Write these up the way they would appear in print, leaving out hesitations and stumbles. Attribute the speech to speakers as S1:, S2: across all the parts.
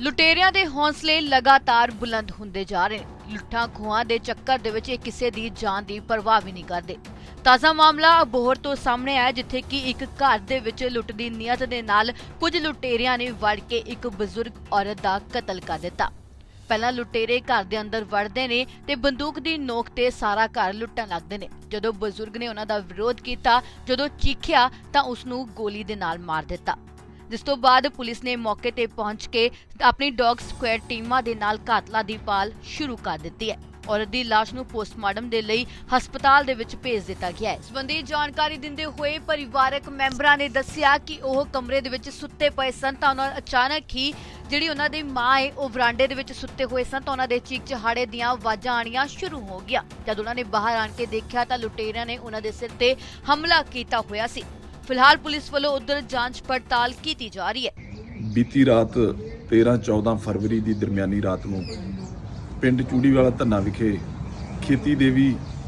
S1: ਲੁਟੇਰਿਆਂ ਦੇ ਹੌਸਲੇ ਲਗਾਤਾਰ ਬੁਲੰਦ ਹੁੰਦੇ ਜਾ ਰਹੇ ਨੇ। ਲੁੱਟਾਂ ਖੋਹਾਂ ਦੇ ਚੱਕਰ ਦੇ ਵਿੱਚ ਇਹ ਕਿਸੇ ਦੀ ਜਾਨ ਦੀ ਪਰਵਾਹ ਵੀ ਨਹੀਂ ਕਰਦੇ। ਤਾਜ਼ਾ ਮਾਮਲਾ ਅਬੋਹਰ ਤੋਂ ਸਾਹਮਣੇ ਆਇਆ, ਜਿੱਥੇ ਕਿ ਇੱਕ ਘਰ ਦੇ ਵਿੱਚ ਲੁੱਟ ਦੀ ਨੀਅਤ ਦੇ ਨਾਲ ਕੁਝ ਲੁਟੇਰਿਆਂ ਨੇ ਵੜ ਕੇ ਇੱਕ ਬਜ਼ੁਰਗ ਔਰਤ ਦਾ ਕਤਲ ਕਰ ਦਿੱਤਾ। ਪਹਿਲਾਂ ਲੁਟੇਰੇ ਘਰ ਦੇ ਅੰਦਰ ਵੜਦੇ ਨੇ ਤੇ ਬੰਦੂਕ ਦੀ ਨੋਕ ਤੇ ਸਾਰਾ ਘਰ ਲੁੱਟਣ ਲੱਗਦੇ ਨੇ। ਜਦੋਂ ਬਜ਼ੁਰਗ ਨੇ ਉਹਨਾਂ ਦਾ ਵਿਰੋਧ ਕੀਤਾ, ਜਦੋਂ ਚੀਖਿਆ ਤਾਂ ਉਸ ਨੂੰ ਗੋਲੀ ਦੇ ਨਾਲ ਮਾਰ ਦਿੱਤਾ, ਜਿਸ ਤੋਂ ਬਾਅਦ ਪੁਲਿਸ ਨੇ ਮੌਕੇ ਤੇ ਪਹੁੰਚ ਕੇ ਆਪਣੀ ਡੌਗ ਸਕੁਐਡ ਟੀਮਾਂ ਦੇ ਨਾਲ ਕਾਤਲਾਂ ਦੀ ਭਾਲ ਸ਼ੁਰੂ ਕਰ ਦਿੱਤੀ ਹੈ। ਔਰਤ ਦੀ ਲਾਸ਼ ਨੂੰ ਪੋਸਟਮਾਰਟਮ ਦੇ ਲਈ ਹਸਪਤਾਲ ਦੇ ਵਿੱਚ ਭੇਜ ਦਿੱਤਾ ਗਿਆ ਹੈ। ਇਸ ਸੰਬੰਧੀ ਜਾਣਕਾਰੀ ਦਿੰਦੇ ਹੋਏ ਪਰਿਵਾਰਕ ਮੈਂਬਰਾਂ ਨੇ ਦੱਸਿਆ ਕਿ ਉਹ ਕਮਰੇ ਦੇ ਵਿੱਚ ਸੁੱਤੇ ਪਏ ਸਨ ਤਾਂ ਉਹਨਾਂ ਅਚਾਨਕ ਹੀ ਜਿਹੜੀ ਉਹਨਾਂ ਦੀ ਮਾਂ ਹੈ ਉਹ ਵਰਾਂਡੇ ਦੇ ਵਿੱਚ ਸੁੱਤੇ ਹੋਏ ਸਨ ਤਾਂ ਉਹਨਾਂ ਦੇ ਚੀਕ ਚਹਾੜੇ ਦੀਆਂ ਆਵਾਜ਼ਾਂ ਆਣੀਆਂ ਸ਼ੁਰੂ ਹੋ ਗਈਆਂ। ਜਦ ਉਹਨਾਂ ਨੇ ਬਾਹਰ ਆਣ ਕੇ ਦੇਖਿਆ ਤਾਂ ਲੁਟੇਰਿਆਂ ਨੇ ਉਹਨਾਂ ਦੇ ਸਿਰ ਤੇ ਹਮਲਾ ਕੀਤਾ ਹੋਇਆ ਸੀ। ਫਿਲਹਾਲ ਪੁਲਿਸ ਵੱਲੋਂ ਉਧਰ ਜਾਂਚ ਪੜਤਾਲ ਕੀਤੀ ਜਾ ਰਹੀ ਹੈ।
S2: ਬੀਤੀ ਰਾਤ 13-14 ਫਰਵਰੀ ਦੀ ਦਰਮਿਆਨੀ ਰਾਤ ਨੂੰ ਪਿੰਡ ਚੂੜੀਵਾਲਾ ਧੰਨਾ ਵਿਖੇ ਖੇਤੀ ਦੇਵੀ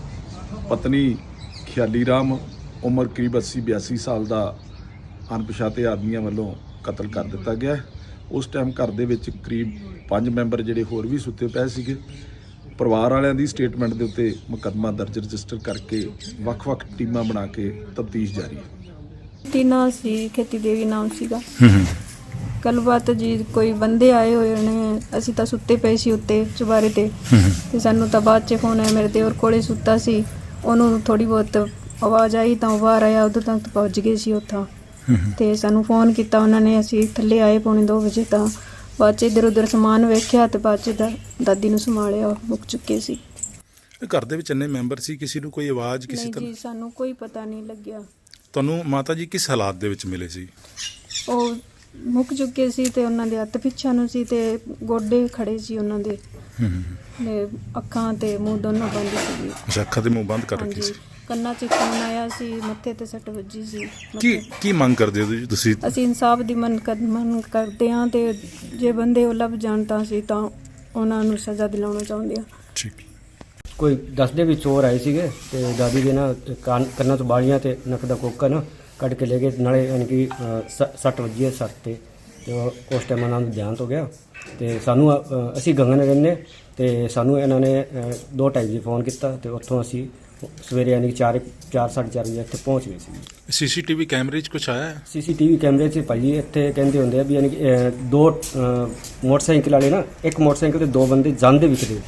S2: ਪਤਨੀ ਖਿਆਲੀ ਰਾਮ ਉਮਰ ਕਰੀਬ 80-82 ਸਾਲ ਦਾ ਅਣਪਛਾਤੇ ਆਦਮੀਆਂ ਵੱਲੋਂ ਕਤਲ ਕਰ ਦਿੱਤਾ ਗਿਆ। ਉਸ ਟਾਈਮ ਘਰ ਦੇ ਵਿੱਚ ਕਰੀਬ 5 ਮੈਂਬਰ ਜਿਹੜੇ ਹੋਰ ਵੀ ਸੁੱਤੇ ਪਏ ਸੀਗੇ। ਪਰਿਵਾਰ ਵਾਲਿਆਂ ਦੀ ਸਟੇਟਮੈਂਟ ਦੇ ਉੱਤੇ ਮੁਕੱਦਮਾ ਦਰਜ ਰਜਿਸਟਰ ਕਰਕੇ ਵੱਖ-ਵੱਖ ਟੀਮਾਂ ਬਣਾ ਕੇ ਤਫਤੀਸ਼ ਜਾਰੀ ਹੈ।
S3: ਨਾਂ ਸੀ ਖੇਤੀ ਦੇਵੀ ਨਾਮ ਸੀਗਾ। ਗੱਲਬਾਤ ਜੀ ਕੋਈ ਬੰਦੇ ਆਏ ਹੋਏ ਨੇ, ਅਸੀਂ ਤਾਂ ਸੁੱਤੇ ਪਏ ਸੀ ਉੱਤੇ ਚੁਬਾਰੇ ਤੇ ਸਾਨੂੰ ਤਾਂ ਬਾਅਦ 'ਚ ਫੋਨ ਆਇਆ, ਮੇਰੇ ਦੇਵਰ ਕੋਲੇ ਸੁੱਤਾ ਸੀ, ਉਹਨੂੰ ਥੋੜੀ ਬਹੁਤ ਆਵਾਜ਼ ਆਈ ਤਾਂ ਉਹ ਬਾਹਰ ਆਇਆ, ਉਦੋਂ ਤੱਕ ਪਹੁੰਚ ਗਏ ਸੀ ਉੱਥੋਂ ਤੇ ਸਾਨੂੰ ਫੋਨ ਕੀਤਾ ਉਹਨਾਂ ਨੇ। ਅਸੀਂ ਥੱਲੇ ਆਏ ਪੌਣੇ 2 ਵਜੇ ਤਾਂ ਬਾਅਦ 'ਚ ਇੱਧਰ ਉੱਧਰ ਸਮਾਨ ਵੇਖਿਆ ਤੇ ਬਾਅਦ 'ਚ ਦਾਦੀ ਨੂੰ ਸੰਭਾਲਿਆ, ਮੁੱਕ ਚੁੱਕੇ ਸੀ।
S4: ਘਰ ਦੇ ਵਿੱਚ ਇੰਨੇ ਮੈਂਬਰ ਸੀ, ਕਿਸੇ ਨੂੰ ਕੋਈ ਆਵਾਜ਼ ਕਿਸੇ
S3: ਤਰ੍ਹਾਂ? ਜੀ ਸਾਨੂੰ ਕੋਈ ਪਤਾ ਨਹੀਂ ਲੱਗਿਆ।
S4: ਤੁਹਾਨੂੰ ਮਾਤਾ ਜੀ ਕਿਸ ਹਾਲਾਤ ਦੇ ਵਿੱਚ ਮਿਲੇ ਸੀ?
S3: ਉਹ ਮੁੱਕ ਚੁੱਕੇ ਸੀ ਤੇ ਉਹਨਾਂ ਦੇ ਹੱਥ ਪਿੱਛਾ ਨੂੰ ਸੀ ਤੇ ਗੋਡੇ ਖੜੇ ਸੀ ਉਹਨਾਂ ਦੇ, ਤੇ ਅੱਖਾਂ ਤੇ ਮੂੰਹ ਦੋਨੋਂ ਬੰਦ ਸੀ।
S4: ਅੱਛਾ, ਅੱਖਾਂ ਤੇ ਮੂੰਹ ਬੰਦ ਕਰ ਰੱਖੀ ਸੀ।
S3: ਕੰਨਾਂ 'ਚ ਖੂਨ ਆਇਆ ਸੀ, ਮੱਥੇ ਤੇ ਸੱਟ ਵੱਜੀ ਸੀ।
S4: ਕੀ ਮੰਗ ਕਰਦੇ ਹੋ ਤੁਸੀਂ?
S3: ਅਸੀਂ ਇਨਸਾਫ ਦੀ ਮੰਗ ਕਰਦੇ ਹਾਂ ਤੇ ਜੇ ਬੰਦੇ ਉਹ ਲੱਭ ਜਾਣ ਤਾਂ ਅਸੀਂ ਤਾਂ ਉਹਨਾਂ ਨੂੰ ਸਜ਼ਾ ਦਿਲਾਉਣਾ ਚਾਹੁੰਦੇ ਹਾਂ।
S4: ਠੀਕ।
S5: ਕੋਈ ਦੱਸਦੇ ਵੀ ਚੋਰ ਆਏ ਸੀਗੇ ਤੇ ਦਾਦੀ ਦੇ ਨਾ ਕੰਨਾਂ ਤੋਂ ਬਾਲੀਆਂ ਤੇ ਨੱਕ ਦਾ ਕੋਕਾ ਨਾ ਕੱਢ ਕੇ ਲੈ ਗਏ, ਨਾਲੇ ਯਾਨੀ ਕਿ ਸੱਟ ਵੱਜੀ ਹੈ ਸੱਟ ਤੇ ਉਸ ਟਾਈਮ ਉਹਨਾਂ ਨੂੰ ਧਿਆਨ ਹੋ ਗਿਆ ਤੇ ਸਾਨੂੰ ਅਸੀਂ ਗੰਗਨ ਰਹਿੰਦੇ ਤੇ ਸਾਨੂੰ ਇਹਨਾਂ ਨੇ 2:30 ਵਜੇ ਫੋਨ ਕੀਤਾ ਤੇ ਉੱਥੋਂ ਅਸੀਂ ਸਵੇਰੇ ਯਾਨੀ ਕਿ 4-4:30 ਵਜੇ ਇੱਥੇ ਪਹੁੰਚ ਗਏ ਸੀ।
S4: ਸੀਸੀਟੀਵੀ ਕੈਮਰੇ 'ਚ ਕੁਛ ਆਇਆ?
S5: ਸੀਸੀਟੀਵੀ ਕੈਮਰੇ 'ਚ ਭਾਜੀ ਇੱਥੇ ਕਹਿੰਦੇ ਹੁੰਦੇ ਆ ਵੀ ਯਾਨੀ ਕਿ 2 ਮੋਟਰਸਾਈਕਲ ਵਾਲੇ ਨਾ, ਇੱਕ ਮੋਟਰਸਾਈਕਲ ਤੇ 2 ਬੰਦੇ ਜਾਂਦੇ ਵਿਖਦੇ।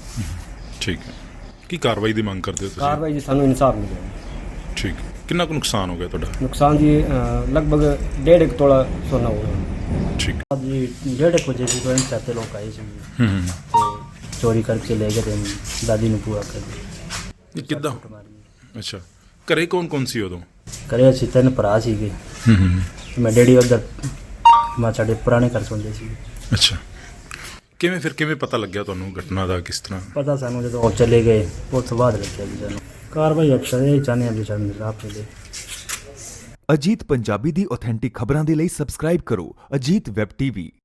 S4: ਠੀਕ ਹੈ। ਕੀ ਕਾਰਵਾਈ ਦੀ ਮੰਗ ਕਰਦੇ ਹੋ ਤੁਸੀਂ?
S5: ਕਾਰਵਾਈ ਜੀ ਸਾਨੂੰ ਇਨਸਾਫ ਮਿਲਿਆ।
S4: ਠੀਕ। ਕਿੰਨਾ ਕੁ ਨੁਕਸਾਨ ਹੋ ਗਿਆ ਤੁਹਾਡਾ?
S5: ਨੁਕਸਾਨ ਜੀ ਲਗਭਗ 1.5 ਤੋਲਾ ਸੋਨਾ ਹੋ ਗਿਆ।
S4: ਠੀਕ।
S5: जी 1:30 बजे भी कोई चाहते लोग आए थे तो चोरी करके ले गए थे, दादी ने पूरा कर दी।
S4: ਕਿੱਦਾਂ? ਅੱਛਾ, ਘਰੇ ਕੌਣ ਸੀ ਉਦੋਂ?
S5: ਘਰੇ ਅਸੀਂ 3 ਭਰਾ ਸੀਗੇ। ਮੈਂ ਡੈਡੀ ਉੱਧਰ ਮਾਂ ਸਾਡੇ ਪੁਰਾਣੇ ਘਰ ਸੌਂਦੇ ਸੀ।
S4: ਅੱਛਾ, ਕਿਵੇਂ ਪਤਾ ਲੱਗਿਆ ਤੁਹਾਨੂੰ ਘਟਨਾ ਦਾ? ਕਿਸ ਤਰ੍ਹਾਂ
S5: ਪਤਾ ਸਾਨੂੰ ਜਦੋਂ ਉਹ ਚਲੇ ਗਏ ਉਸ ਤੋਂ ਬਾਅਦ ਲੱਗਿਆ ਜੀ ਸਾਨੂੰ। ਕਾਰਵਾਈ ਅਕਸਰ ਇਹ ਚਾਹੁੰਦੇ ਹਾਂ ਵੀ ਸਾਨੂੰ ਇਨਸਾਫ ਮਿਲੇ।
S6: ਅਜੀਤ ਪੰਜਾਬੀ ਦੀ ਆਥੈਂਟਿਕ ਖਬਰਾਂ ਦੇ ਲਈ ਸਬਸਕ੍ਰਾਈਬ ਕਰੋ ਅਜੀਤ ਵੈਬ ਟੀਵੀ।